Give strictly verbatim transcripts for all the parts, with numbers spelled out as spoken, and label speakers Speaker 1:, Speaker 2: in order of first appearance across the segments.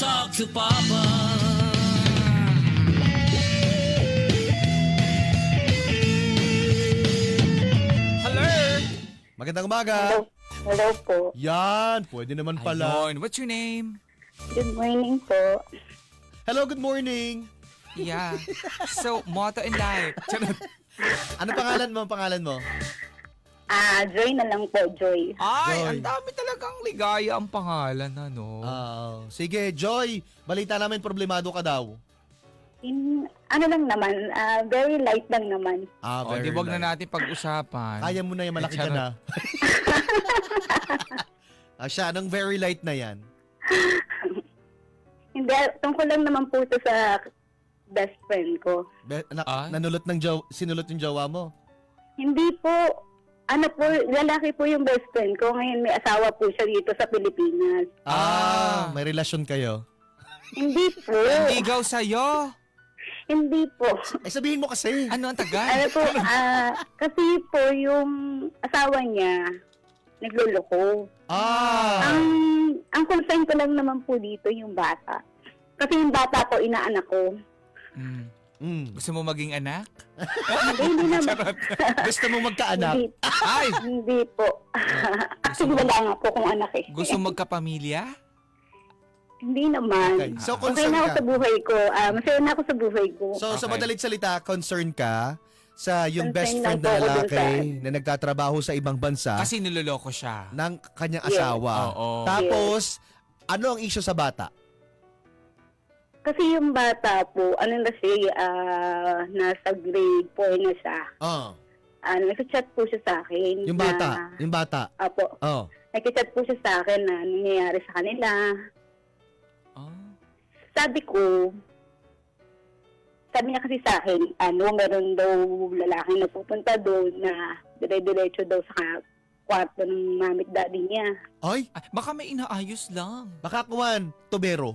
Speaker 1: talk to Papa.
Speaker 2: Hello!
Speaker 3: Magandang umaga.
Speaker 4: Hello. Hello po.
Speaker 3: Yan, pwede naman pala.
Speaker 2: Ayun. What's your name?
Speaker 4: Good morning po.
Speaker 3: Hello, good morning.
Speaker 2: Yeah. So, motto in life. Charot.
Speaker 3: Ano pangalan mo? Ang pangalan mo?
Speaker 4: Ah, Joy na lang po, Joy.
Speaker 2: Ay,
Speaker 3: Joy.
Speaker 2: ang dami talagang ligaya ang pangalan, ano?
Speaker 3: Ah, sige, Joy. Balita namin problemado ka daw.
Speaker 4: In, ano lang naman, ah, very light lang naman.
Speaker 3: Ah,
Speaker 2: Oh, di
Speaker 3: very
Speaker 2: wag na
Speaker 3: light.
Speaker 2: natin pag-usapan.
Speaker 3: Kaya mo na yan, malaki ka
Speaker 2: Charot.
Speaker 3: na. ah, siya, anong very light na yan?
Speaker 4: Hindi, tungkol lang naman po ito sa best friend ko.
Speaker 3: Be- na-
Speaker 2: Ay.
Speaker 3: nanulot ng jaw- sinulot yung jawa mo?
Speaker 4: Hindi po, ano po, lalaki po yung best friend ko. Ngayon may asawa po siya dito sa Pilipinas.
Speaker 2: Ah.
Speaker 3: Ah, may relasyon kayo.
Speaker 4: Hindi po.
Speaker 2: Nandigaw sa'yo.
Speaker 4: Hindi po.
Speaker 3: Ay, sabihin mo kasi.
Speaker 2: Ano ang tagal?
Speaker 4: Ano po, ah, kasi po yung asawa niya, nagluloko.
Speaker 3: Ah.
Speaker 4: Ang ang concern ko lang naman po dito yung bata. Kasi yung bata po, inaanak ko.
Speaker 2: Mm.
Speaker 3: Mm.
Speaker 2: Gusto mo maging anak?
Speaker 4: Hindi, hindi naman.
Speaker 3: Gusto mo magkaanak?
Speaker 4: Hindi,
Speaker 2: Ay!
Speaker 4: hindi po. Actually, wala nga po kung anak eh.
Speaker 2: Gusto magkapamilya?
Speaker 4: Hindi naman.
Speaker 3: Okay. So,
Speaker 4: Okay
Speaker 3: concern
Speaker 4: na ako
Speaker 3: ka.
Speaker 4: sa buhay ko. Ah, masaya na ako sa buhay ko.
Speaker 3: So, sa
Speaker 2: Okay.
Speaker 3: madalit salita, concern ka sa yung
Speaker 4: Concern
Speaker 3: best
Speaker 4: lang
Speaker 3: friend
Speaker 4: po
Speaker 3: na
Speaker 4: ako dun
Speaker 3: lalaki
Speaker 4: sa-
Speaker 3: na nagtatrabaho sa ibang bansa
Speaker 2: Kasi niloloko siya.
Speaker 3: ng kanyang
Speaker 4: Yes.
Speaker 3: asawa.
Speaker 2: Oo.
Speaker 3: Tapos, ano ang issue sa bata?
Speaker 4: Kasi yung bata po, ano na siya, ah, nasa grade four na siya.
Speaker 3: Oh,
Speaker 4: Ah, nag-chat po siya sa akin.
Speaker 3: yung
Speaker 4: na-
Speaker 3: bata, yung bata.
Speaker 4: Apo,
Speaker 3: Oh.
Speaker 4: nag-chat po siya sa akin na nangyayari sa kanila.
Speaker 2: Oh.
Speaker 4: Sabi ko, sabi niya kasi sa akin, ano, meron daw lalaking napupunta doon na dire-diretso daw sa kwarto ng mamit daddy niya.
Speaker 3: Ay,
Speaker 2: Ay, baka may inaayos lang.
Speaker 3: baka kuwan, tubero.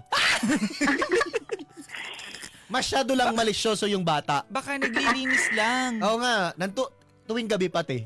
Speaker 3: Masyado lang malisyoso yung bata.
Speaker 2: Baka naglilinis lang.
Speaker 3: Oo nga, nanto, tuwing gabi pati.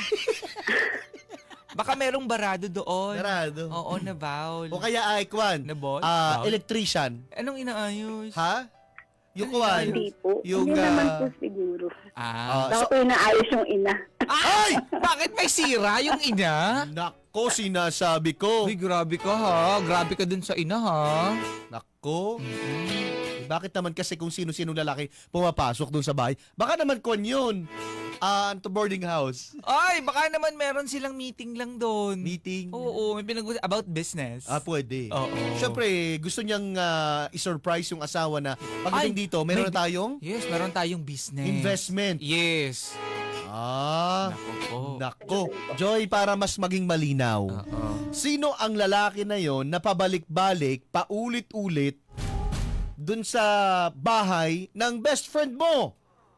Speaker 2: Baka merong barado doon.
Speaker 3: Narado.
Speaker 2: Oo, na bowl.
Speaker 3: O kaya ay, kuwan,
Speaker 2: Na ball?
Speaker 3: ah,
Speaker 2: Bowl?
Speaker 3: electrician.
Speaker 2: Anong inaayos?
Speaker 3: Ha? Yung kuwan.
Speaker 4: Hindi po.
Speaker 3: Yung,
Speaker 4: Hindi naman
Speaker 3: ah,
Speaker 4: po siguro.
Speaker 2: Ah.
Speaker 3: Ah,
Speaker 4: Baka
Speaker 3: so,
Speaker 4: po inaayos yung ina.
Speaker 2: Ay! Bakit may sira yung ina?
Speaker 3: nako, sinasabi ko.
Speaker 2: Uy, grabe ka ha. Grabe ka dun sa ina ha.
Speaker 3: Nako. Eh, bakit naman kasi kung sino-sino lalaki pumapasok doon sa bahay? Baka naman kuwan yun. Ah, to boarding house.
Speaker 2: Ay, baka naman meron silang meeting lang doon.
Speaker 3: Meeting.
Speaker 2: Oo, may pinag about business.
Speaker 3: Ah, pwede.
Speaker 2: Oo.
Speaker 3: Siyempre, gusto niyang ah, i-surprise yung asawa na pagdating
Speaker 2: Ay,
Speaker 3: dito, meron
Speaker 2: may-
Speaker 3: na tayong
Speaker 2: Yes, meron tayong business.
Speaker 3: investment.
Speaker 2: Yes.
Speaker 3: Ah,
Speaker 2: Nako po.
Speaker 3: nako. Joy, para mas maging malinaw.
Speaker 2: Oo.
Speaker 3: Sino ang lalaki na yon na pabalik-balik, paulit-ulit dun sa bahay ng best friend mo?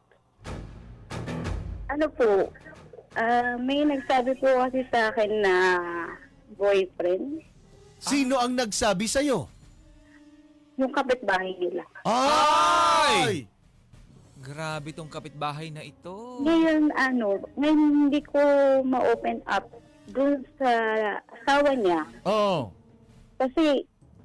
Speaker 4: Ano po, ah, may nagsabi po kasi sa akin na boyfriend,
Speaker 3: Sino ang nagsabi sa'yo?
Speaker 4: yung kapitbahay nila.
Speaker 3: Ay!
Speaker 2: Grabe tong kapitbahay na ito.
Speaker 4: Ngayon, ano, ngayon hindi ko ma-open up dun sa asawa niya.
Speaker 3: Oo.
Speaker 4: Kasi,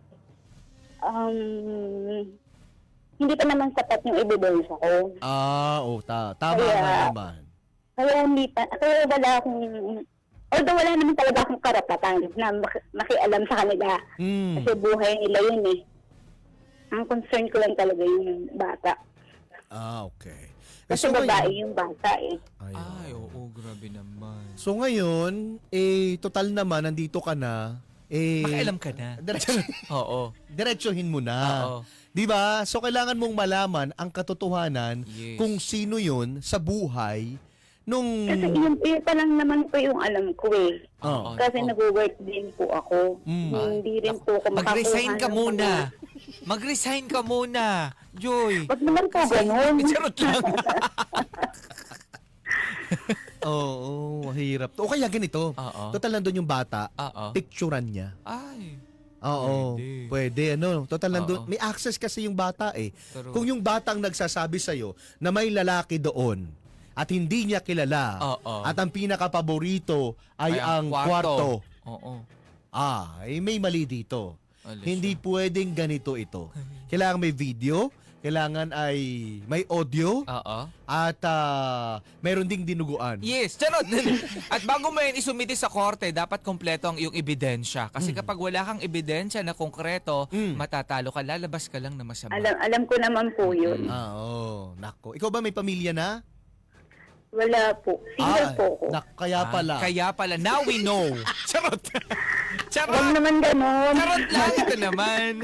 Speaker 4: um, hindi pa naman sapat yung ebidensya ko.
Speaker 3: Ah, oh, ta tama
Speaker 4: Kaya-
Speaker 3: nga naman.
Speaker 4: Kaya hindi pa, kaya wala akong, although wala naman talaga akong karapatan na mak- makialam sa kanila.
Speaker 3: Hmm.
Speaker 4: Kasi buhay nila yun eh. Ang concern ko lang talaga yung bata.
Speaker 3: Ah, okay. Eh,
Speaker 4: Kasi
Speaker 3: so
Speaker 4: babae
Speaker 3: ngayon-
Speaker 4: yung bata eh.
Speaker 3: Ayun.
Speaker 2: Ay, oo, grabe naman.
Speaker 3: So ngayon, eh, total naman, nandito ka na. Eh,
Speaker 2: Makialam ka na.
Speaker 3: Diretso,
Speaker 2: Oo.
Speaker 3: diretsohin mo na.
Speaker 2: Oo.
Speaker 3: Di ba? So kailangan mong malaman ang katotohanan
Speaker 2: Yes.
Speaker 3: kung sino yun sa buhay nung...
Speaker 4: Kasi yun, yun pa lang naman po yung alam ko eh.
Speaker 3: Oh.
Speaker 4: Kasi
Speaker 2: Oo.
Speaker 4: nag-work din po ako.
Speaker 3: Mm.
Speaker 4: Hindi rin po ako
Speaker 2: Mag-resign ka
Speaker 4: makakuha ng
Speaker 2: muna.
Speaker 4: mga-
Speaker 2: Mag-resign ka muna. Joy.
Speaker 4: Wag naman po ganun.
Speaker 2: Charot lang.
Speaker 3: Oo, mahirap. O kaya ganito.
Speaker 2: Oo.
Speaker 3: Total nandun yung bata,
Speaker 2: Oo.
Speaker 3: picturean niya.
Speaker 2: Ay.
Speaker 3: Oo,
Speaker 2: Pwede.
Speaker 3: pwede. Ano, total nandun.
Speaker 2: Oo.
Speaker 3: May access kasi yung bata eh.
Speaker 2: Pero-
Speaker 3: Kung yung batang nagsasabi sa'yo na may lalaki doon at hindi niya kilala
Speaker 2: Oo.
Speaker 3: at ang pinakapaborito ay, ang kwarto.
Speaker 2: Oo.
Speaker 3: Ah, eh, may mali dito.
Speaker 2: Alas
Speaker 3: Hindi pwedeng ganito ito. Kailangan may video, kailangan ay may audio,
Speaker 2: Oo.
Speaker 3: at ah, mayroon ding dinuguan.
Speaker 2: Yes, charot. At bago mo yan isumiti sa korte, dapat kompleto ang iyong ebidensya. Kasi kapag wala kang ebidensya na konkreto,
Speaker 3: Mm.
Speaker 2: matatalo ka, lalabas ka lang na masama.
Speaker 4: Alam, alam ko naman po yun.
Speaker 3: Ah, oo. Nako. Ikaw ba may pamilya na?
Speaker 4: Wala po. Single
Speaker 3: Ah,
Speaker 4: po ko.
Speaker 3: nak- kaya
Speaker 2: Ah,
Speaker 3: pala.
Speaker 2: Kaya pala. Now we know. Charot.
Speaker 4: Huwag
Speaker 2: Charot.
Speaker 4: naman ganon.
Speaker 2: Charot lang. Ito naman.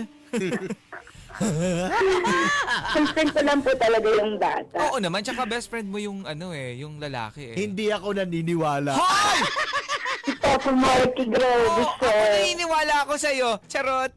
Speaker 4: Consent ko lang po talaga yung bata.
Speaker 2: Oo naman. Tsaka best friend mo yung ano eh, yung lalaki eh.
Speaker 3: Hindi ako naniniwala.
Speaker 2: Hoy!
Speaker 4: Opo, Marky, grabe,
Speaker 2: Oo, ako
Speaker 4: sir.
Speaker 2: naniniwala ako sa'yo. Charot.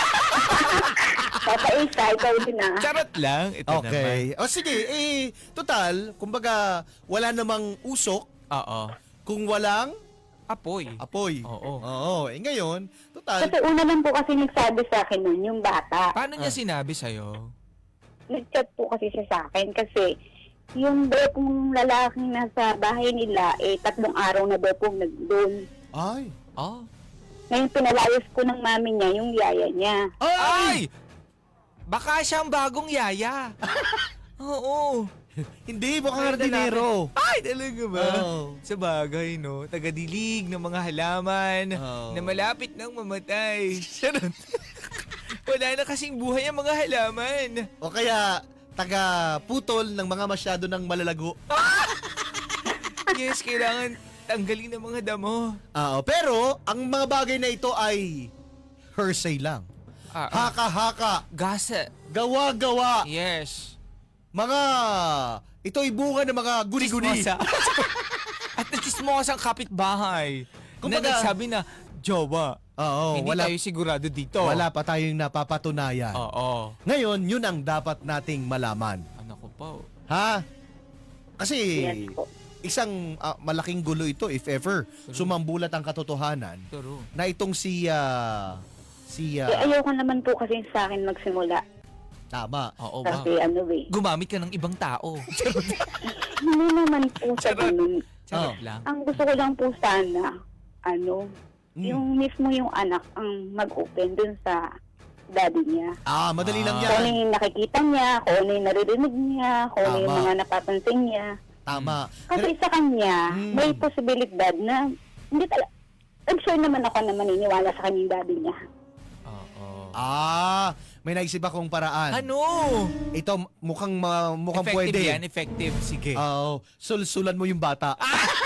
Speaker 4: Papa Isa, ikaw din ah.
Speaker 2: Charot lang. Ito naman.
Speaker 3: Okay. O sige, eh, total, kumbaga, wala namang usok
Speaker 2: Oo.
Speaker 3: kung walang
Speaker 2: Apoy.
Speaker 3: apoy.
Speaker 2: Oo.
Speaker 3: Oo. Eh ngayon, total,
Speaker 4: Kasi una lang po kasi nagsabi sa akin nun, yung bata.
Speaker 2: Paano niya
Speaker 3: Ah.
Speaker 2: sinabi sa'yo?
Speaker 4: Nag-chat po kasi siya sa akin kasi yung daw pong lalaking nasa bahay nila, eh, tatlong araw na daw pong nagdoon.
Speaker 3: ay,
Speaker 2: Oh.
Speaker 4: Ngayon, pinalayas ko ng mami niya, yung yaya niya.
Speaker 3: ay,
Speaker 2: Ay! Baka siyang bagong yaya. Oo.
Speaker 3: hindi, mukhang
Speaker 2: Ay,
Speaker 3: hardinero.
Speaker 2: Ay, talaga ba?
Speaker 3: Oo.
Speaker 2: Sa bagay, no? Tagadilig ng mga halaman
Speaker 3: Oo.
Speaker 2: na malapit nang mamatay. Charot. Wala na kasing buhay ang mga halaman.
Speaker 3: O kaya, taga-putol ng mga masyado ng malalago.
Speaker 2: Yes, kailangan tanggalin ng mga damo.
Speaker 3: Oo, pero, ang mga bagay na ito ay hearsay lang.
Speaker 2: Ah, ah.
Speaker 3: Haka-haka,
Speaker 2: Gasa.
Speaker 3: gawa-gawa,
Speaker 2: Yes.
Speaker 3: mga, ito ay bunga ng mga guni-guni.
Speaker 2: Chismosa. At nachismosang kapitbahay.
Speaker 3: Kumbaga-
Speaker 2: na nagsabi na, jowa.
Speaker 3: Oo,
Speaker 2: hindi
Speaker 3: wala,
Speaker 2: tayo sigurado dito.
Speaker 3: wala pa tayong napapatunayan.
Speaker 2: Oo.
Speaker 3: Ngayon, yun ang dapat nating malaman.
Speaker 2: Ano ko pa? oh.
Speaker 3: Ha? Kasi,
Speaker 4: Yes po.
Speaker 3: isang ah, malaking gulo ito if ever sumambulat ang katotohanan
Speaker 2: Turo.
Speaker 3: na itong si, ah, si,
Speaker 4: Eh,
Speaker 3: ah,
Speaker 4: ayaw ka naman po kasi sa akin magsimula.
Speaker 3: tama.
Speaker 2: Oo ba?
Speaker 4: Kasi ano eh.
Speaker 2: Gumamit ka ng ibang tao.
Speaker 4: Hindi naman po sa
Speaker 2: Charot.
Speaker 4: ganun.
Speaker 2: Charot
Speaker 3: Oh.
Speaker 2: lang.
Speaker 4: Ang gusto ko lang po sana, ano,
Speaker 3: Mm.
Speaker 4: yung mismo yung anak ang mag-open dun sa daddy niya.
Speaker 3: Ah, madali lang
Speaker 2: Ah.
Speaker 4: Kung ano
Speaker 3: yan.
Speaker 4: yung nakikita niya, kung ano yung naririnig niya, kung ano yung
Speaker 3: Tama.
Speaker 4: mga napapansin niya.
Speaker 3: Tama.
Speaker 4: Kasi sa kanya,
Speaker 3: Mm.
Speaker 4: may posibilidad na hindi talaga, I'm sure naman ako na maniniwala sa kanyang daddy niya.
Speaker 2: Oo.
Speaker 3: Ah, may naisip akong paraan.
Speaker 2: Ano?
Speaker 3: Ito, mukhang, ma- mukhang
Speaker 2: Effective
Speaker 3: pwede.
Speaker 2: yan, effective. Sige.
Speaker 3: Oo, sulsulan mo yung bata.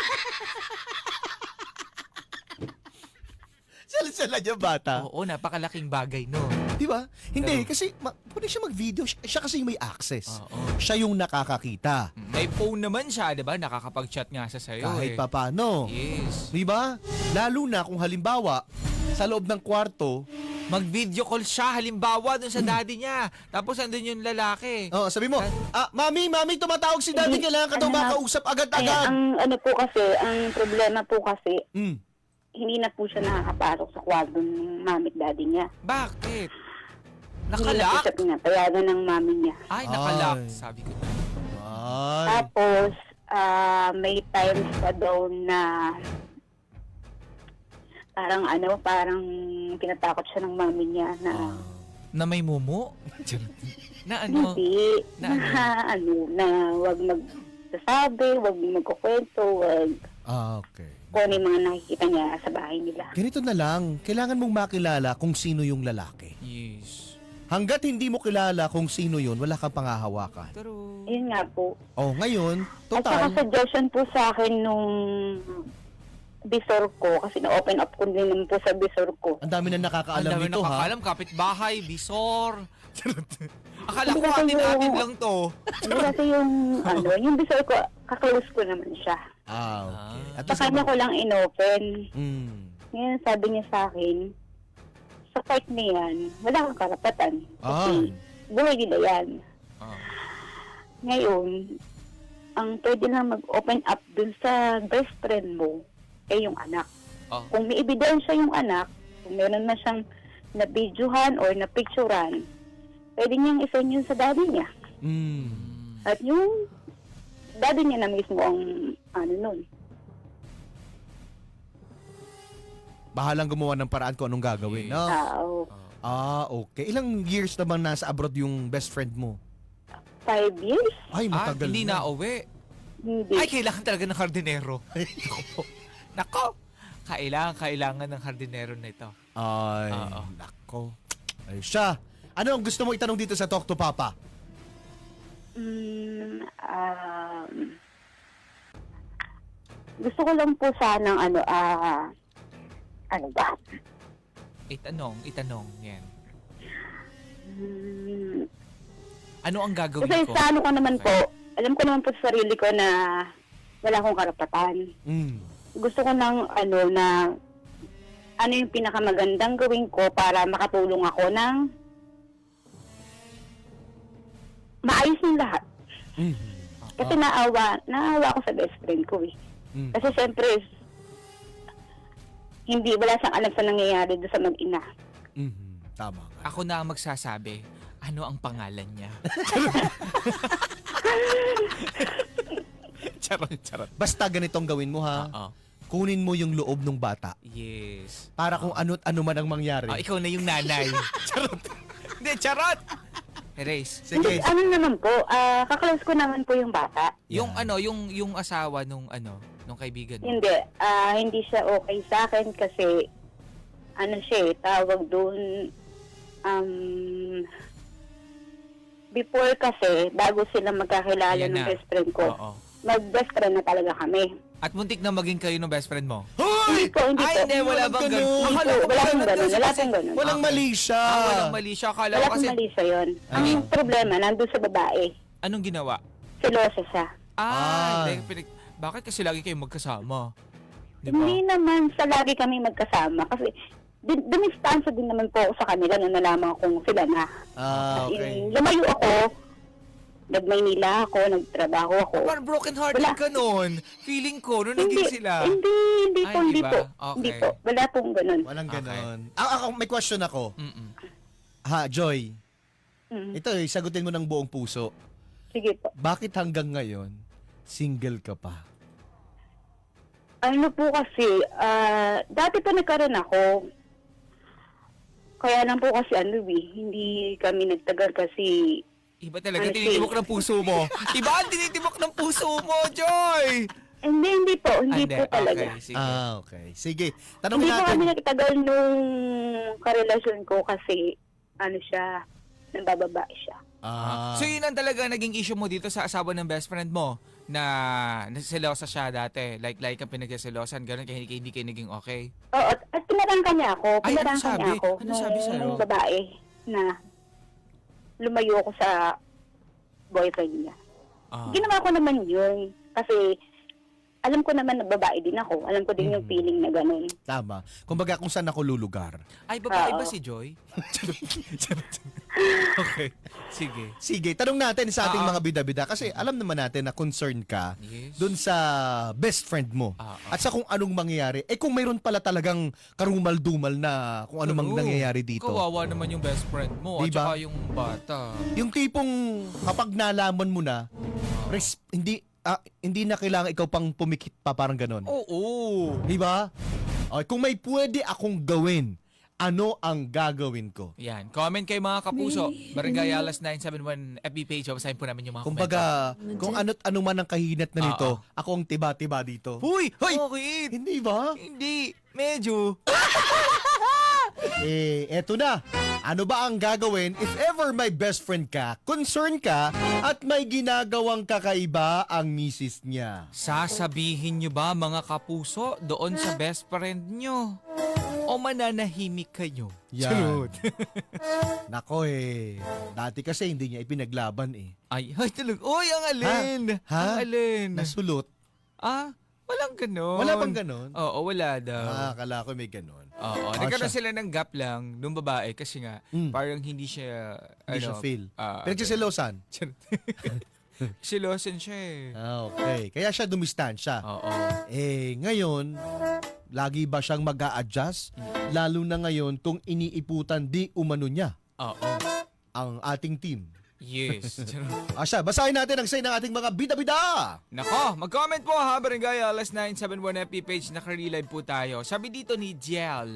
Speaker 3: Sulsulan yung bata.
Speaker 2: Oo, napakalaking bagay, no?
Speaker 3: Di ba? Hindi,
Speaker 2: Pero-
Speaker 3: kasi ma- pwede siya mag-video. Siya, siya kasi yung may access.
Speaker 2: Oo.
Speaker 3: Siya yung nakakakita.
Speaker 2: May phone naman siya, di ba? Nakakapag-chat nga sa sa'yo
Speaker 3: Kahit
Speaker 2: eh.
Speaker 3: papano.
Speaker 2: Yes.
Speaker 3: Di ba? Lalo na kung halimbawa, sa loob ng kwarto,
Speaker 2: Mag-video call siya, halimbawa, dun sa daddy niya. Tapos andun yung lalaki.
Speaker 3: oh, sabi mo, ah, mami, mami, tumatawag si daddy,
Speaker 4: Hindi,
Speaker 3: kailangan ka daw
Speaker 4: ano na-
Speaker 3: makausap
Speaker 4: Kaya
Speaker 3: agad-agad.
Speaker 4: ang ano po kasi, ang problema po kasi,
Speaker 3: Mm.
Speaker 4: hindi na po siya nakakapasok sa kwarto ng mami at daddy niya.
Speaker 2: Bakit?
Speaker 4: Hindi na po
Speaker 2: Nakalak?
Speaker 4: siya pinapayagan ng mami niya.
Speaker 2: Ay, nakalak.
Speaker 3: Ay.
Speaker 2: Sabi ko na.
Speaker 3: Ay.
Speaker 4: Tapos, ah, may times pa daw na parang ano, parang tinatakot siya ng mami niya na
Speaker 2: Na may mumu? na ano?
Speaker 4: hindi,
Speaker 2: Na
Speaker 4: na, ano, na wag magsasabi, wag magkukwento, wag
Speaker 3: Ah, okay.
Speaker 4: kung ano yung mga nakikita niya sa bahay nila.
Speaker 3: Ganito na lang, kailangan mong makilala kung sino yung lalaki.
Speaker 2: Yes.
Speaker 3: Hanggat hindi mo kilala kung sino yun, wala kang pangahawakan.
Speaker 2: Pero...
Speaker 4: Yun nga po.
Speaker 3: Oh, ngayon,
Speaker 4: At saka
Speaker 3: total,
Speaker 4: suggestion po sa akin nung bisor ko, kasi na-open up ko din naman po sa bisor ko.
Speaker 3: ang dami na
Speaker 2: Ang
Speaker 3: nakakaalam
Speaker 2: dami
Speaker 3: nito, ha?
Speaker 2: nakakalam, kapitbahay, bisor. Akala ko
Speaker 4: Hindi kasi
Speaker 2: atin-atin
Speaker 4: yung-
Speaker 2: lang to.
Speaker 4: Hindi kasi yung, ano, yung bisor ko, kaklose ko naman siya.
Speaker 3: Ah, okay.
Speaker 2: Ah.
Speaker 3: At
Speaker 4: Sa
Speaker 3: least,
Speaker 4: kanya ko lang inopen.
Speaker 3: mm,
Speaker 4: Ngayon sabi niya sa akin, sa part na yan, wala kang karapatan.
Speaker 3: ah,
Speaker 4: Kasi buhay nila yan.
Speaker 2: Ah.
Speaker 4: Ngayon, ang pwede lang mag-open up dun sa best friend mo, eh yung anak.
Speaker 2: Oh.
Speaker 4: Kung may ebidensya yung anak, kung meron na siyang na-videohan or na-picturean, pwede niyang isend yun sa daddy niya.
Speaker 3: mm.
Speaker 4: At yung daddy niya na mismo ang ano nun.
Speaker 3: Bahalang gumawa ng paraan kung anong gagawin, no?
Speaker 4: Ah, oo.
Speaker 2: Ah.
Speaker 3: Ah, okay. Ilang years naman nasa abroad yung best friend mo?
Speaker 4: Five years?
Speaker 3: Ay,
Speaker 2: Ah,
Speaker 3: matagal
Speaker 2: hindi na uwi.
Speaker 4: Hindi.
Speaker 2: Ay, kailangan talaga ng hardinero. Nako. Nako. Kailangan, kailangan ng hardinero na ito.
Speaker 3: Ay,
Speaker 2: Oo.
Speaker 3: nako. Ay, siya. Ano ang gusto mo itanong dito sa Talk to Papa?
Speaker 4: Mm, um, gusto ko lang po sanang ano, ah, ano ba?
Speaker 2: Itanong, itanong. Yan.
Speaker 4: Mm,
Speaker 2: Ano ang gagawin
Speaker 4: kasi
Speaker 2: ko?
Speaker 4: sa ano ko naman
Speaker 2: Okay.
Speaker 4: po, alam ko naman po sa sarili ko na wala akong karapatan.
Speaker 3: Mm.
Speaker 4: Gusto ko ng ano na ano yung pinakamagandang gawin ko para makatulong ako ng maayos ng lahat.
Speaker 3: Mm.
Speaker 4: Kasi naawa, naawa ako sa best friend ko eh.
Speaker 3: Mm.
Speaker 4: Kasi siyempre, hindi, wala siyang alam sa nangyayari doon sa mag-ina.
Speaker 3: Mhm. Tama nga.
Speaker 2: Ako na ang magsasabi, ano ang pangalan niya? charot, charot.
Speaker 3: Basta ganitong gawin mo ha.
Speaker 2: Oo.
Speaker 3: Kunin mo yung loob ng bata
Speaker 2: Yes.
Speaker 3: para kung ano't ano man ang mangyari.
Speaker 2: Ah, ikaw na yung nanay. charot. Hindi, charot! Erase.
Speaker 3: Sige.
Speaker 4: Hindi, ano naman po, ah kaklose ko naman po yung bata.
Speaker 2: Yung
Speaker 3: Yan.
Speaker 2: ano, yung yung asawa nung ano, nung kaibigan mo.
Speaker 4: Hindi, ah hindi siya okay sa akin kasi, ano siya eh, tawag doon, um, before kasi, bago sila magkakilala
Speaker 2: Ayan
Speaker 4: ng
Speaker 2: na.
Speaker 4: best friend ko,
Speaker 2: Oo.
Speaker 4: mag-best friend na talaga kami.
Speaker 2: At muntik na maging kayo ng best friend mo.
Speaker 4: Hindi
Speaker 3: Hoy!
Speaker 4: po, hindi
Speaker 2: Ay,
Speaker 4: po.
Speaker 2: hindi, wala bang ganun?
Speaker 3: ganun.
Speaker 2: Akala
Speaker 4: Hindi
Speaker 2: ko
Speaker 4: po, wala
Speaker 2: ganun
Speaker 4: pong ganun,
Speaker 2: kasi-
Speaker 4: wala pong ganun.
Speaker 3: Walang
Speaker 2: Okay.
Speaker 3: mali siya.
Speaker 2: Ah, walang mali siya. Akala
Speaker 4: Wala
Speaker 2: ko kasi,
Speaker 4: pong mali sa yun.
Speaker 3: Ah.
Speaker 4: Ang problema, nandun sa babae,
Speaker 2: anong ginawa?
Speaker 4: selosa siya.
Speaker 2: Ah,
Speaker 3: Ah.
Speaker 2: hindi, pinag- bakit kasi lagi kayo magkasama? Di ba?
Speaker 4: Hindi naman sa lagi kami magkasama kasi din, dumistansya din naman po ako sa kanila na nalaman kong sila na.
Speaker 3: Ah, okay.
Speaker 4: Eh, lumayo ako, nag-Maynila ako, nagtrabaho ako.
Speaker 2: Parang broken hearted
Speaker 4: Wala.
Speaker 2: ka nun. Feeling ko, nung naging sila.
Speaker 4: Hindi, hindi
Speaker 2: Ay,
Speaker 4: po, hindi
Speaker 2: iba?
Speaker 4: po.
Speaker 2: Okay.
Speaker 4: Hindi po, wala pong ganun.
Speaker 3: Walang
Speaker 2: Okay.
Speaker 3: ganon. Ah, ako, may question ako.
Speaker 2: Mm-mm.
Speaker 3: Ha, Joy.
Speaker 4: Mm,
Speaker 3: Ito eh, sagutin mo ng buong puso.
Speaker 4: sige po.
Speaker 3: Bakit hanggang ngayon, single ka pa?
Speaker 4: Ano po kasi, ah, dati pa nagkaroon ako. Kaya lang po kasi ano eh, hindi kami nagtagal kasi
Speaker 2: Iba talaga,
Speaker 4: Ano,
Speaker 2: tinitibok ng puso mo. Iba ang tinitibok ng puso mo, Joy!
Speaker 4: hindi, hindi po, hindi
Speaker 2: Ah,
Speaker 4: po talaga.
Speaker 2: Okay, sige.
Speaker 3: Ah, okay. Sige. Tanongin
Speaker 4: Hindi po
Speaker 3: natin.
Speaker 4: kami nagtagal nung karelasyon ko kasi ano siya, nambababae siya.
Speaker 3: Ah,
Speaker 2: So yun ang talaga naging issue mo dito sa asawa ng best friend mo na nasiselosa siya dati. Like, like ang pinagsiselosan, gano'n, kaya hindi, hindi kayo naging okay.
Speaker 4: Oo, at, at pinarangka niya ako,
Speaker 2: Ay, ano
Speaker 4: pinarangka
Speaker 2: sabi?
Speaker 4: niya ako
Speaker 2: Ano
Speaker 4: nung,
Speaker 2: sabi sa'yo?
Speaker 4: nung babae na lumayo ako sa boyfriend niya.
Speaker 2: Ah.
Speaker 4: Ginawa ko naman yun kasi alam ko naman na babae din ako. Alam ko din yung
Speaker 3: Mhm.
Speaker 4: feeling na ganun.
Speaker 3: tama. Kumbaga kung saan ako lulugar.
Speaker 2: Ay, babae
Speaker 4: Oo.
Speaker 2: ba si Joy? Okay. Sige.
Speaker 3: Sige, tanong natin sa ating
Speaker 2: Ah, ah.
Speaker 3: mga bida-bida kasi alam naman natin na concerned ka
Speaker 2: Yes.
Speaker 3: dun sa best friend mo.
Speaker 2: Ah, ah.
Speaker 3: At sa kung anong mangyayari. Eh kung mayroon pala talagang karumal-dumal na kung ano mang
Speaker 2: Oo.
Speaker 3: nangyayari dito.
Speaker 2: Kawawa naman yung best friend mo at
Speaker 3: Diba?
Speaker 2: saka yung bata.
Speaker 3: Yung tipong kapag nalaman mo na, res- hindi ah, hindi na kailangan ikaw pang pumikit pa, parang ganon.
Speaker 2: Oo.
Speaker 3: Di ba? Okay, kung may pwede akong gawin, ano ang gagawin ko?
Speaker 2: Yan. Comment kayo mga kapuso. Barangay Alas nine seven one F B page. Basahin po namin yung mga komento.
Speaker 3: Kumbaga, kung ano't ano man ang kahinat na nito, ako ang tiba-tiba dito.
Speaker 2: Huy!
Speaker 3: Hoy!
Speaker 2: Bakit?
Speaker 3: Hindi ba?
Speaker 2: Hindi. Medyo.
Speaker 3: Eh, eto na. Ano ba ang gagawin if ever my best friend ka, concern ka, at may ginagawang kakaiba ang misis niya?
Speaker 2: Sasabihin nyo ba mga kapuso doon sa best friend nyo? O mananahimik kayo?
Speaker 3: Yan.
Speaker 2: Charot.
Speaker 3: Nako eh, dati kasi hindi niya ipinaglaban eh.
Speaker 2: Ay, ay talaga. Uy, ang alin.
Speaker 3: Ha?
Speaker 2: Ang alin.
Speaker 3: Nasulot.
Speaker 2: Ah, walang ganon.
Speaker 3: Wala bang ganon?
Speaker 2: Oo, wala daw.
Speaker 3: Ah, akala ko may ganon.
Speaker 2: Oo,
Speaker 3: Ah,
Speaker 2: nagkaroon
Speaker 3: siya.
Speaker 2: sila ng gap lang nung babae kasi nga
Speaker 3: Mm.
Speaker 2: parang hindi siya
Speaker 3: Hindi
Speaker 2: ano,
Speaker 3: siya feel.
Speaker 2: ah,
Speaker 3: Pinagsiselosan.
Speaker 2: Silosan siya eh.
Speaker 3: Ah, okay. Kaya siya dumistansya.
Speaker 2: Oo.
Speaker 3: Eh, ngayon, lagi ba siyang mag adjust Lalo na ngayon kung iniiputan di umano niya
Speaker 2: Oo.
Speaker 3: ang ating team.
Speaker 2: Yes.
Speaker 3: Asya, basahin natin ang say ng ating mga bida-bida.
Speaker 2: Nako, mag-comment po ha, Barangay Alas nine seven one F B page, naka-relive po tayo. Sabi dito ni Jiel,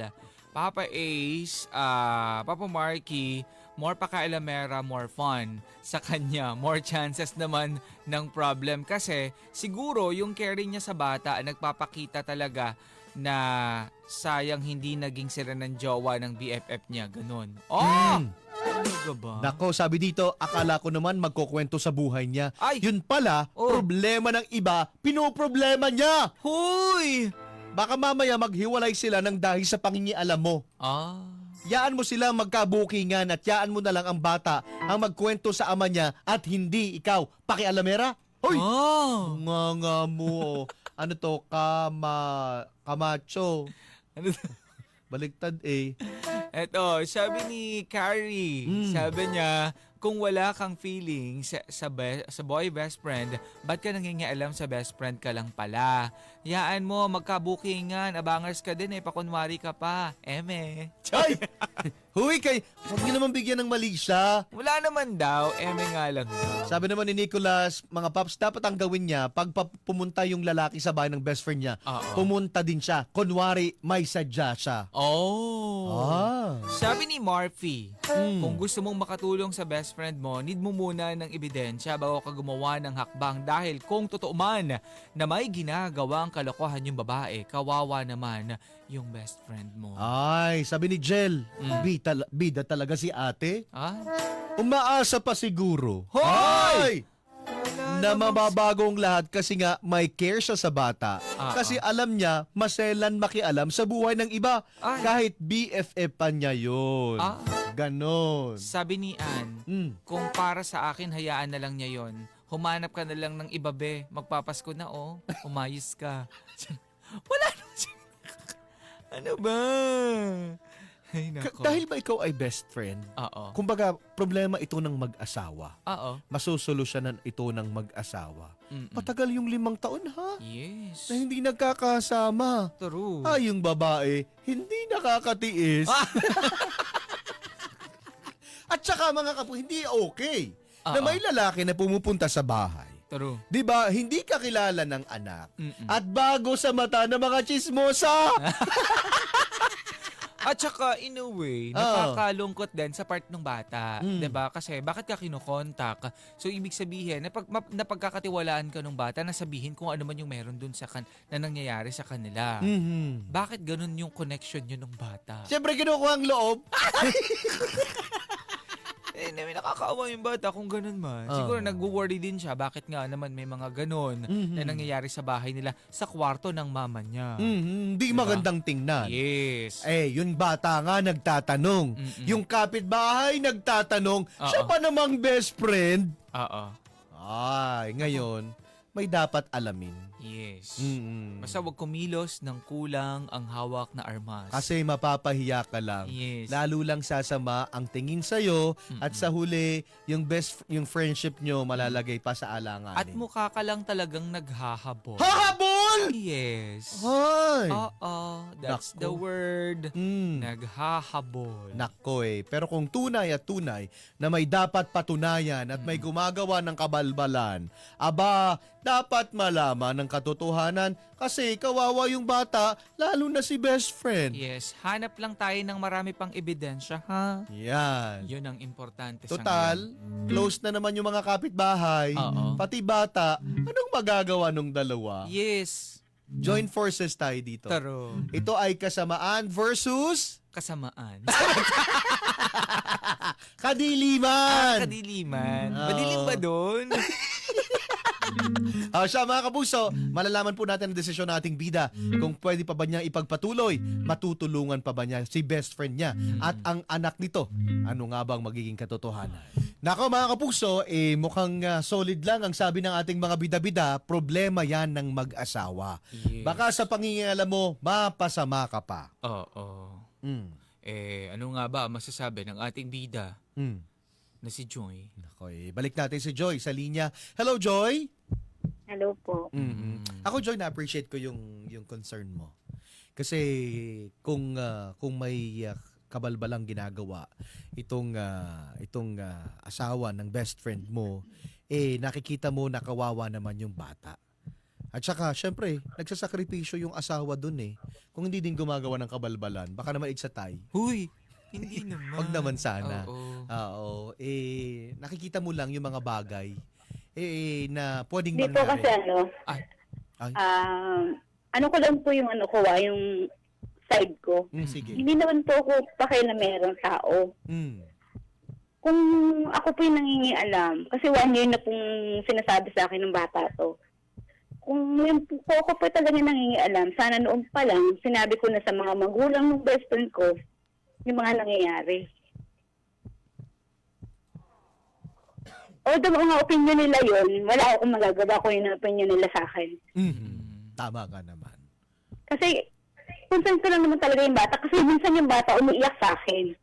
Speaker 2: Papa Ace, ah, Papa Marky, more pakailamera, more fun. Sa kanya, more chances naman ng problem. Kasi siguro yung caring niya sa bata nagpapakita talaga na sayang hindi naging sila ng jowa ng B F F niya. Ganun. Oh!
Speaker 3: Hmm.
Speaker 2: Talaga ba?
Speaker 3: Nako, sabi dito, akala ko naman magkukwento sa buhay niya.
Speaker 2: Ay!
Speaker 3: Yun pala,
Speaker 2: Oh.
Speaker 3: problema ng iba, pinoproblema niya.
Speaker 2: Huy!
Speaker 3: Baka mamaya maghiwalay sila ng dahil sa pangingialam mo.
Speaker 2: Ah.
Speaker 3: Yaan mo sila magkabukingan at yaan mo na lang ang bata ang magkwento sa ama niya at hindi ikaw. Pakialamera? Hoy!
Speaker 2: Oh!
Speaker 3: Nga nga mo. oh. Ano to? Kama... Kamacho.
Speaker 2: Ano
Speaker 3: Baligtad eh.
Speaker 2: Eto, sabi ni Carrie,
Speaker 3: Mm.
Speaker 2: sabi niya, kung wala kang feeling sa, sa, be- sa boy best friend, ba't ka nangingialam sa best friend ka lang pala? Yaan mo, magkabukingan, abangers ka din eh, pakunwari ka pa. Eme.
Speaker 3: Ay! Huy kay... Huwag niyo naman bigyan ng mali siya.
Speaker 2: Wala naman daw, eme nga lang daw.
Speaker 3: Sabi naman ni Nicholas, mga paps, dapat ang gawin niya, pag pa- pumunta yung lalaki sa bahay ng best friend niya,
Speaker 2: Oo.
Speaker 3: pumunta din siya. Kunwari, may sadya siya.
Speaker 2: Oh.
Speaker 3: Ah.
Speaker 2: Sabi ni Marfy,
Speaker 3: Hmm.
Speaker 2: kung gusto mong makatulong sa best friend mo, need mo muna ng ebidensya bago ka gumawa ng hakbang dahil kung totoo man na may ginagawang kalokohan yung babae, kawawa naman yung best friend mo.
Speaker 3: Ay, sabi ni Jel,
Speaker 2: Mm.
Speaker 3: bida, bida talaga si ate.
Speaker 2: Ah?
Speaker 3: Umaasa pa siguro.
Speaker 2: Hoy!
Speaker 3: Ay!
Speaker 2: Wala
Speaker 3: Na
Speaker 2: namang-
Speaker 3: mababagong lahat kasi nga may care siya sa bata.
Speaker 2: Ah,
Speaker 3: Kasi alam niya, maselan makialam sa buhay ng iba.
Speaker 2: Ay.
Speaker 3: Kahit B F F pa niya yun.
Speaker 2: Ah.
Speaker 3: Ganon.
Speaker 2: Sabi ni Ann,
Speaker 3: Mm.
Speaker 2: kung para sa akin, hayaan na lang niya yon. Humanap ka na lang ng iba, be. Magpapasko na, oh. Umayos ka. Wala naman siya. Ano ba? Ay,
Speaker 3: Ka-
Speaker 2: nako.
Speaker 3: dahil ba ikaw ay best friend?
Speaker 2: Oo.
Speaker 3: Kumbaga, problema ito ng mag-asawa.
Speaker 2: Oo.
Speaker 3: Masusolusyonan ito ng mag-asawa.
Speaker 2: Mm-mm.
Speaker 3: Matagal yung limang taon ha?
Speaker 2: Yes.
Speaker 3: Na hindi nagkakasama.
Speaker 2: True.
Speaker 3: Ay, yung babae, hindi nakakatiis.
Speaker 2: Ah!
Speaker 3: At saka mga kapo, hindi okay na
Speaker 2: Oo.
Speaker 3: may lalaki na pumupunta sa bahay.
Speaker 2: True.
Speaker 3: 'Di ba? Hindi ka kilala ng anak.
Speaker 2: Mm-mm.
Speaker 3: At bago sa mata ng mga chismosa.
Speaker 2: At saka, in a way,
Speaker 3: Oo.
Speaker 2: nakakalungkot din sa part ng bata.
Speaker 3: Mm.
Speaker 2: 'Di ba? Kasi, bakit ka kinokontak? So, ibig sabihin, napag, map- napagkakatiwalaan ka ng bata na sabihin kung ano man yung meron dun sa kan na nangyayari sa kanila.
Speaker 3: Mhm.
Speaker 2: Bakit ganun yung connection nyo ng bata?
Speaker 3: Siyempre kinukuha ang loob.
Speaker 2: Eh, may nakakaawa yung bata kung ganun man.
Speaker 3: Oo.
Speaker 2: Siguro nag-worry din siya. Bakit nga naman may mga ganun
Speaker 3: Mhm.
Speaker 2: na nangyayari sa bahay nila sa kwarto ng mama niya.
Speaker 3: Mhm. Hindi
Speaker 2: Diba?
Speaker 3: magandang tingnan.
Speaker 2: Yes.
Speaker 3: Eh, yung bata nga nagtatanong.
Speaker 2: Mm-mm.
Speaker 3: Yung kapitbahay nagtatanong. Siya
Speaker 2: Oo.
Speaker 3: pa namang best friend.
Speaker 2: Oo.
Speaker 3: Ay, ngayon, may dapat alamin.
Speaker 2: Yes.
Speaker 3: Mm-mm.
Speaker 2: Basta wag kumilos ng kulang ang hawak na armas.
Speaker 3: Kasi mapapahiya ka lang.
Speaker 2: Yes.
Speaker 3: Lalo lang sasama ang tingin sa'yo at sa huli, yung best, yung friendship nyo malalagay pa sa alanganin.
Speaker 2: At mukha ka lang talagang naghahabol.
Speaker 3: Hahabol!
Speaker 2: Yes.
Speaker 3: Ay!
Speaker 2: Oo. That's
Speaker 3: Nako.
Speaker 2: the word.
Speaker 3: Mm.
Speaker 2: Naghahabol.
Speaker 3: Nako eh. Pero kung tunay at tunay na may dapat patunayan at may gumagawa ng kabalbalan, aba, dapat malaman ng katotohanan kasi kawawa yung bata, lalo na si best friend.
Speaker 2: Yes. Hanap lang tayo ng marami pang ebidensya, ha?
Speaker 3: Yan.
Speaker 2: Yun ang importante sa
Speaker 3: Total,
Speaker 2: ngayon.
Speaker 3: close na naman yung mga kapitbahay,
Speaker 2: Oo.
Speaker 3: pati bata. Anong magagawa nung dalawa?
Speaker 2: Yes.
Speaker 3: Join forces tayo dito.
Speaker 2: Taro.
Speaker 3: Ito ay kasamaan versus
Speaker 2: Kasamaan.
Speaker 3: kadiliman.
Speaker 2: Kadiliman.
Speaker 3: Oo.
Speaker 2: Madilim ba doon?
Speaker 3: Ah, siya mga kapuso, malalaman po natin ang desisyon nating bida kung pwede pa ba niya ipagpatuloy, matutulungan pa ba niya si best friend niya at ang anak nito. Ano nga bang magiging katotohanan? Nako mga kapuso, eh, mukhang ah, solid lang ang sabi ng ating mga bida-bida, problema yan ng mag-asawa.
Speaker 2: Yes.
Speaker 3: Baka sa pangingialam mo, mapasama ka pa.
Speaker 2: Oo.
Speaker 3: Mm.
Speaker 2: Eh, ano nga ba ang masasabi ng ating bida
Speaker 3: Mm.
Speaker 2: na si Joy?
Speaker 3: Nako, eh, balik natin si Joy sa linya. Hello, Joy!
Speaker 4: Hello po.
Speaker 3: mm Ako, Joy, na-appreciate ko yung yung concern mo. Kasi kung ah, kung may ah, kabalbalang ginagawa itong ah, itong ah, asawa ng best friend mo, eh nakikita mo na kawawa naman yung bata. At saka, syempre, nagsasakripisyo yung asawa dun eh. Kung hindi din gumagawa ng kabalbalan, baka naman igsatay.
Speaker 2: Huy, hindi naman.
Speaker 3: Wag naman sana.
Speaker 2: Oo.
Speaker 3: Oo. Eh, nakikita mo lang yung mga bagay eh, na pwedeng
Speaker 4: Hindi po kasi
Speaker 3: mangyari.
Speaker 4: ano,
Speaker 2: Ay.
Speaker 3: Ay.
Speaker 4: um, ano ko lang po yung ano ko, ah, yung side ko.
Speaker 3: Mm, sige.
Speaker 4: Hindi naman po ako pakialamerong tao.
Speaker 3: Mm.
Speaker 4: Kung ako po yung nangingialam, kasi one year na pong sinasabi sa akin ng bata to, kung yung po ako po talaga nangingialam, sana noon pa lang, sinabi ko na sa mga magulang ng best friend ko, yung mga nangyayari. Although mga opinion nila yun, wala akong magagawa kung yung opinion nila sa akin.
Speaker 3: Mhm. Tama ka naman.
Speaker 4: Kasi, concern ko lang naman talaga yung bata, kasi minsan yung bata umiiyak sa akin.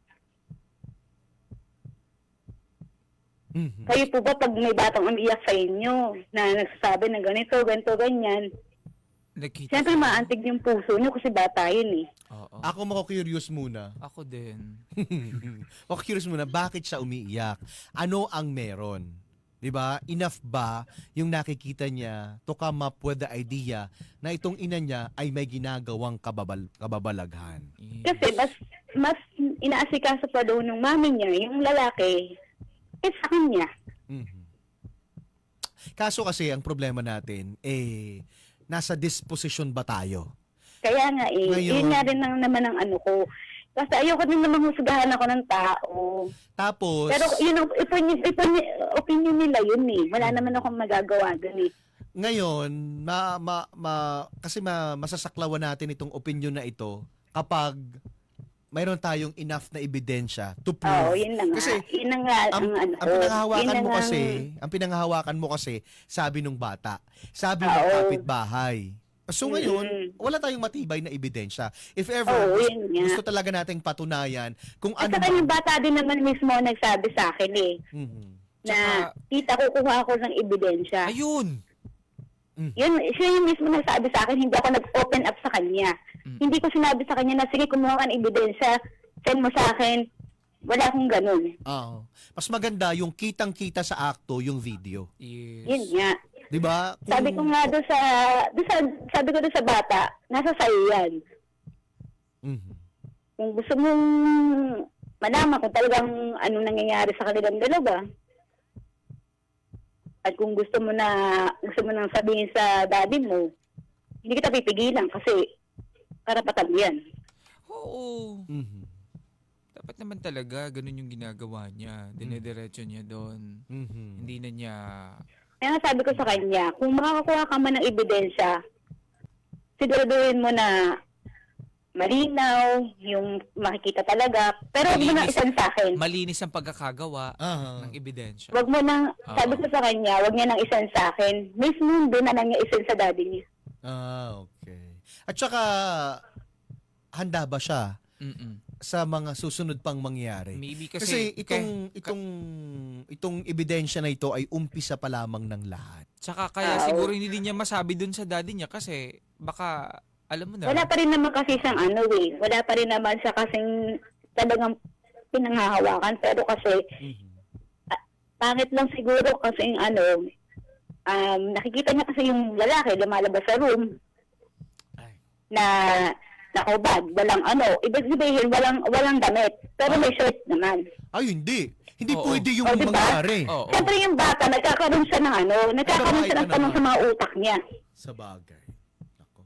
Speaker 3: Mhm.
Speaker 4: Kayo po ba pag may batang umiiyak sa inyo, na nagsasabi ng ganito, ganito, ganyan,
Speaker 2: Nakita
Speaker 4: siyempre
Speaker 2: ko.
Speaker 4: maantig yung puso nyo kasi bata yun eh.
Speaker 2: Oo.
Speaker 3: Ako mako-curious muna.
Speaker 2: Ako din.
Speaker 3: Mako-curious muna, bakit siya umiiyak? Ano ang meron? 'Di ba? Enough ba yung nakikita niya to come up with the idea na itong ina niya ay may ginagawang kababal kababalaghan?
Speaker 2: Yes.
Speaker 4: Kasi mas, mas inaasikaso pa doon ng mami niya, yung lalaki, eh sa kanya.
Speaker 3: Mhm. Kaso kasi ang problema natin eh nasa disposition ba tayo?
Speaker 4: Kaya nga eh,
Speaker 3: Ngayon-
Speaker 4: yun nga rin ang, naman ang ano ko. Kasi ayoko din naman husgahan ako ng tao.
Speaker 3: Tapos
Speaker 4: Pero yun, ang opinion, opinion, opinion nila yun eh. Wala naman akong magagawa doon eh.
Speaker 3: ngayon ma, ma, ma kasi ma, masasaklawan natin itong opinion na ito kapag mayroon tayong enough na ebidensya to prove.
Speaker 4: Oo, yun na nga.
Speaker 3: Kasi
Speaker 4: yun na nga
Speaker 3: ang,
Speaker 4: ang, ano
Speaker 3: ang
Speaker 4: ko.
Speaker 3: pinanghahawakan
Speaker 4: Yun na
Speaker 3: mo
Speaker 4: nga
Speaker 3: kasi,
Speaker 4: ang-
Speaker 3: ang pinanghahawakan mo kasi, sabi nung bata, sabi ng
Speaker 4: Oo.
Speaker 3: kapitbahay. So ngayon,
Speaker 4: Mm.
Speaker 3: wala tayong matibay na ebidensya. If ever,
Speaker 4: Oo,
Speaker 3: gusto,
Speaker 4: yun nga.
Speaker 3: gusto talaga nating patunayan kung
Speaker 4: At
Speaker 3: ano
Speaker 4: saka yung bata din naman mismo nagsabi sa akin eh,
Speaker 3: Mhm.
Speaker 4: na
Speaker 2: Tsaka-
Speaker 4: tita, kukuha ako ng ebidensya.
Speaker 2: Ayun.
Speaker 4: Yun, siya yung mismo nagsabi sa akin, hindi ako nag-open up sa kanya.
Speaker 2: Mm.
Speaker 4: Hindi ko sinabi sa kanya na, sige, kumuha ka ng ebidensya, send mo sa akin. Wala akong ganun.
Speaker 3: Oo. Mas maganda yung kitang-kita sa akto yung video.
Speaker 2: Yes.
Speaker 4: Yun nga.
Speaker 3: 'Di ba? Kung-
Speaker 4: Sabi ko nga doon sa, doon sa, sabi ko doon sa bata, nasa sayo yan.
Speaker 3: Mhm.
Speaker 4: Kung gusto mong malaman kung talagang anong nangyayari sa kanilang dalawa, at kung gusto mo na, gusto mo nang sabihin sa daddy mo, hindi kita pipigilan kasi karapatan mo yan.
Speaker 2: Oo.
Speaker 3: Mhm.
Speaker 2: Dapat naman talaga ganun yung ginagawa niya. Dinediretso niya doon.
Speaker 3: Mhm.
Speaker 2: Hindi na niya...
Speaker 4: Kaya nga sabi ko sa kanya, kung makakakuha ka man ng ebidensya, siguraduhin mo na malinaw, yung makikita talaga, pero huwag mo nang
Speaker 2: Malinis.
Speaker 4: isan sa akin.
Speaker 2: Malinis ang pagkakagawa
Speaker 3: Aha.
Speaker 2: ng ebidensya.
Speaker 4: Huwag mo nang,
Speaker 2: Oo.
Speaker 4: sabi ko sa kanya, huwag niya nang isan sa akin. Mismo doon na lang niya isan sa daddy niya.
Speaker 3: Ah, okay. At saka handa ba siya
Speaker 2: Mm-mm.
Speaker 3: sa mga susunod pang mangyari?
Speaker 2: Maybe
Speaker 3: Kasi,
Speaker 2: kasi...
Speaker 3: itong itong itong ebidensya na ito ay umpisa pa lamang ng lahat.
Speaker 2: Tsaka kaya
Speaker 4: Ah,
Speaker 2: siguro hindi din niya masabi dun sa daddy niya kasi baka, alam mo na.
Speaker 4: Wala pa rin naman kasi siyang ano eh. Wala pa rin naman siya kasing talagang pinanghahawakan. Pero kasi, pangit lang siguro kasi yung ano, um, nakikita niya kasi yung lalaki lumalabas sa room
Speaker 3: Ay.
Speaker 4: na nakubad, walang ano, ibig sabihin walang walang damit, pero may shirt naman.
Speaker 3: Ay, hindi. Hindi
Speaker 2: Oo.
Speaker 3: pwede yung
Speaker 4: Oh, diba?
Speaker 3: mangyari.
Speaker 2: Oo.
Speaker 4: Siyempre yung bata, nagkakaroon siya ng ano, nagkakaroon siya ng
Speaker 3: Babae ka
Speaker 4: tanong sa
Speaker 3: naman.
Speaker 4: mga utak niya.
Speaker 3: Sa bagay. Ako.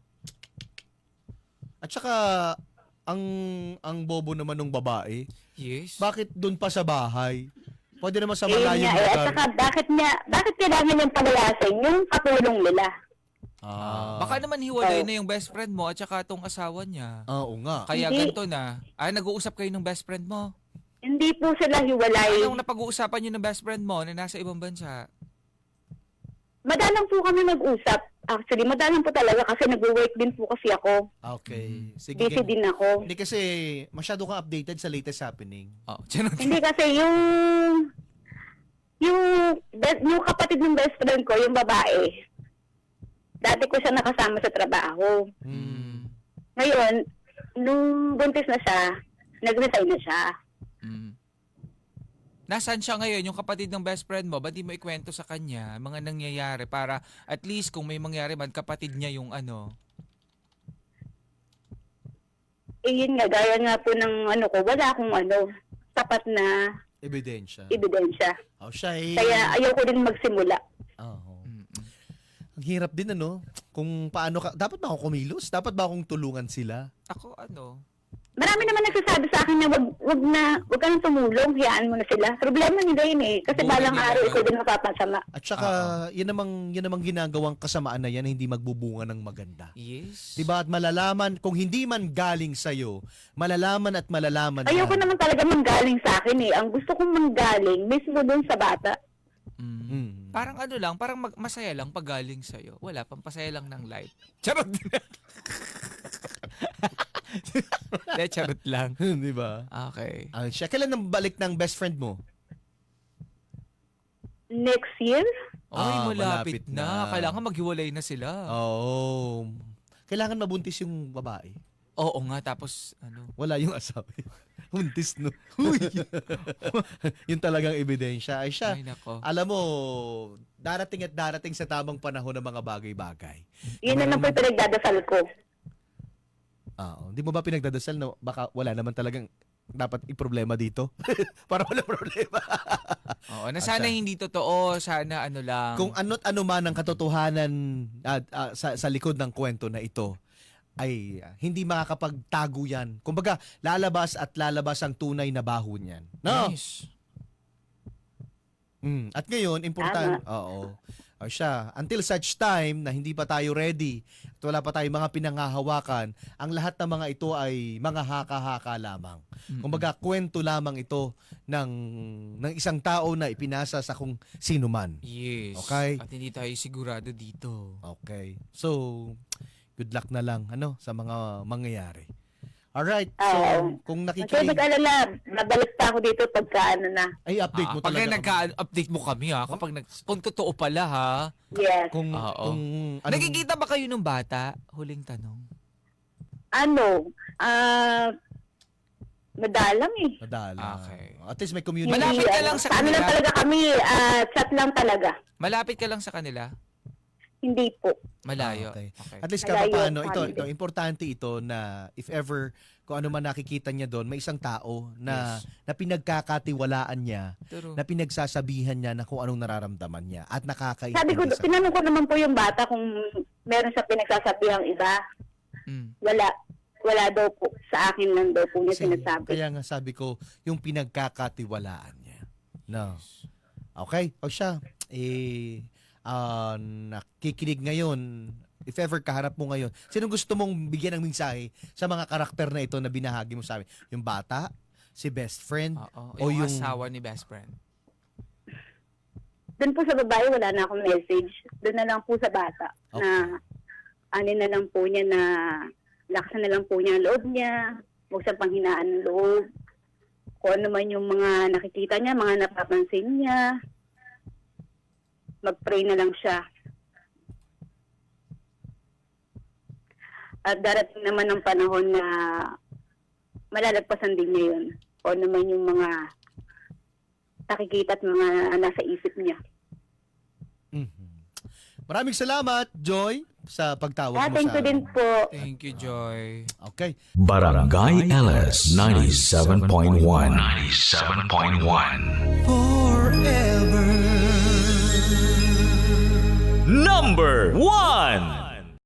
Speaker 3: At saka, ang ang bobo naman ng babae,
Speaker 2: Yes.
Speaker 3: bakit doon pa sa bahay? Pwede naman sa
Speaker 4: Eh, yun
Speaker 3: malayong
Speaker 4: nga, eh, at
Speaker 3: lugar.
Speaker 4: saka bakit niya, bakit kailangan niyang palayasin yung katulong nila?
Speaker 3: Ah,
Speaker 2: Baka naman hiwalay
Speaker 4: Oh.
Speaker 2: na yung best friend mo at saka tong asawa niya.
Speaker 3: Ah, oo nga.
Speaker 2: Kaya
Speaker 4: Hindi.
Speaker 2: ganito na. Ay, nag-uusap kayo ng best friend mo.
Speaker 4: Hindi po sila hiwalay.
Speaker 2: Anong napag-uusapan niyo ng best friend mo na nasa ibang bansa?
Speaker 4: Madalang po kami mag-usap. Actually, madalang po talaga kasi nag-work din po kasi ako.
Speaker 3: Okay. Sige.
Speaker 4: Busy
Speaker 3: gan-
Speaker 4: din ako.
Speaker 3: Hindi kasi masyado kang updated sa latest happening.
Speaker 2: Oh, charot.
Speaker 4: Hindi kasi yung yung be- yung kapatid ng best friend ko, yung babae. Dati ko siya nakasama sa trabaho.
Speaker 2: Mm.
Speaker 4: Ngayon, nung buntis na siya, nag-resign na siya.
Speaker 2: Mm. Nasaan siya ngayon, yung kapatid ng best friend mo? Ba't di mo ikwento sa kanya mga nangyayari para at least kung may mangyari man, kapatid niya yung ano?
Speaker 4: Eh, yun nga, gaya nga po ng ano ko, wala akong ano, tapat na
Speaker 3: Ebidensya.
Speaker 4: ebidensya.
Speaker 3: Oh, siya eh.
Speaker 4: Kaya ayaw ko din magsimula.
Speaker 3: Oo.
Speaker 2: Mm-mm.
Speaker 3: Ang hirap din ano, kung paano ka, dapat ba ako kumilos? Dapat ba akong tulungan sila?
Speaker 2: Ako ano?
Speaker 4: Marami naman nagsasabi sa akin na wag, wag na, wag ka nang tumulong, hayaan mo na sila. Problema nila yun eh. Kasi
Speaker 2: Buhay
Speaker 4: balang
Speaker 2: nila
Speaker 4: araw
Speaker 2: yun.
Speaker 4: ikaw din mapapasama.
Speaker 3: At saka, yan namang, yan namang ginagawang kasamaan na yan na hindi magbubunga ng maganda.
Speaker 2: Yes.
Speaker 3: Diba? At malalaman, kung hindi man galing sa'yo, malalaman at malalaman
Speaker 4: Ayoko
Speaker 3: yan.
Speaker 4: naman talaga manggaling sa akin eh. Ang gusto kong manggaling, mismo dun sa bata.
Speaker 2: Mm.
Speaker 3: Mm.
Speaker 2: Parang ano lang, parang mag- masaya lang pag galing sa'yo. Wala, pampasaya lang ng life. Charot! De, charot lang.
Speaker 3: Di ba?
Speaker 2: Okay.
Speaker 3: Ah, siya, kailan nang balik ng best friend mo?
Speaker 4: Next year,
Speaker 2: Oy,
Speaker 3: Ah,
Speaker 2: malapit,
Speaker 3: malapit
Speaker 2: na.
Speaker 3: na.
Speaker 2: Kailangan maghiwalay na sila.
Speaker 3: Oo. Kailangan mabuntis yung babae.
Speaker 2: Oo nga, tapos ano.
Speaker 3: Wala yung asawa. Buntis, no? Uy! Yun talagang ebidensya. Ay siya,
Speaker 2: Ay, nako.
Speaker 3: alam mo, darating at darating sa tamang panahon ng mga bagay-bagay.
Speaker 4: yun na lang po yung pinagdadasal ko.
Speaker 3: Oo. Hindi mo ba pinagdadasal na baka wala naman talagang dapat i-problema dito? Para wala problema.
Speaker 2: Oo, na sana
Speaker 3: At siya-
Speaker 2: hindi totoo, sana ano lang.
Speaker 3: Kung ano't ano man ang katotohanan at, ah, sa, sa likod ng kwento na ito, ay ah, hindi makakapagtago yan. Kumbaga, lalabas at lalabas ang tunay na baho niyan. No?
Speaker 2: Nice.
Speaker 3: Mm. At ngayon, important. Oo. O siya, until such time na hindi pa tayo ready at wala pa tayong mga pinanghahawakan, ang lahat ng mga ito ay mga haka-haka lamang.
Speaker 2: Mm-mm.
Speaker 3: Kumbaga, kwento lamang ito ng, ng isang tao na ipinasa sa kung sino man.
Speaker 2: Yes.
Speaker 3: Okay.
Speaker 2: At hindi tayo sigurado dito.
Speaker 3: Okay. So, good luck na lang ano sa mga mangyayari. Alright. So,
Speaker 4: Oo.
Speaker 3: kung
Speaker 4: Kasi
Speaker 3: nakikinig,
Speaker 4: mag-alala, babalik pa ako dito pagka ano na.
Speaker 3: ay update
Speaker 2: Ah,
Speaker 3: mo
Speaker 2: pag
Speaker 3: talaga.
Speaker 2: nagka-update mo kami ha, kapag nag kung totoo pala ha.
Speaker 4: Yes.
Speaker 3: Kung,
Speaker 2: Oo.
Speaker 3: kung anong-
Speaker 2: Nagkikita ba kayo ng bata? Huling tanong.
Speaker 4: Ano, ah, madalang eh.
Speaker 3: Madala.
Speaker 2: Okay.
Speaker 3: At least may community.
Speaker 2: Malapit ka
Speaker 4: Hindi,
Speaker 2: lang
Speaker 4: ano,
Speaker 2: sa
Speaker 4: ano
Speaker 2: kanila?
Speaker 4: lang talaga kami, ah, chat lang talaga.
Speaker 2: Malapit ka lang sa kanila?
Speaker 4: Hindi po.
Speaker 2: Malayo.
Speaker 3: Ah, okay.
Speaker 2: Okay.
Speaker 3: At least
Speaker 4: Malayo,
Speaker 3: kahit paano, ito,
Speaker 4: family.
Speaker 3: ito, importante ito na if ever, kung ano man nakikita niya doon, may isang tao na,
Speaker 2: Yes.
Speaker 3: na pinagkakatiwalaan niya,
Speaker 2: True.
Speaker 3: na pinagsasabihan niya na kung anong nararamdaman niya at nakakaintindi
Speaker 4: Sabi ko,
Speaker 3: sa-
Speaker 4: tinanong ko naman po yung bata kung meron siya pinagsasabihang iba.
Speaker 2: Mm.
Speaker 4: Wala. Wala daw po. Sa akin lang daw po niya
Speaker 3: Kasi,
Speaker 4: sinasabi.
Speaker 3: kaya nga sabi ko, yung pinagkakatiwalaan niya. No. Okay? O siya, eh, ah, nakikinig ngayon, if ever kaharap mo ngayon, sino gusto mong bigyan ng mensahe sa mga karakter na ito na binahagi mo sa amin? Yung bata, si best friend,
Speaker 2: Oo.
Speaker 3: O
Speaker 2: Yung,
Speaker 3: yung-
Speaker 2: asawa ni best friend.
Speaker 4: Doon po sa babae, wala na akong message. Doon na lang po sa bata.
Speaker 3: Okay.
Speaker 4: Na ano na lang po niya na laksan na lang po niya ang loob niya. Huwag siyang panghinaan ng loob. Kung ano man yung mga nakikita niya, mga napapansin niya. Mag-pray na lang siya. At darating naman ng panahon na malalagpasan din niya yun. O naman yung mga nakikita at mga nasa isip niya.
Speaker 3: Mhm. Maraming salamat, Joy, sa pagtawag
Speaker 4: Ah,
Speaker 3: mo
Speaker 4: thank
Speaker 3: sa
Speaker 4: you din
Speaker 3: amin.
Speaker 4: po.
Speaker 2: Thank you, Joy.
Speaker 3: Okay.
Speaker 1: Barangay L S ninety-seven point one. ninety-seven point one. Forever. Number one.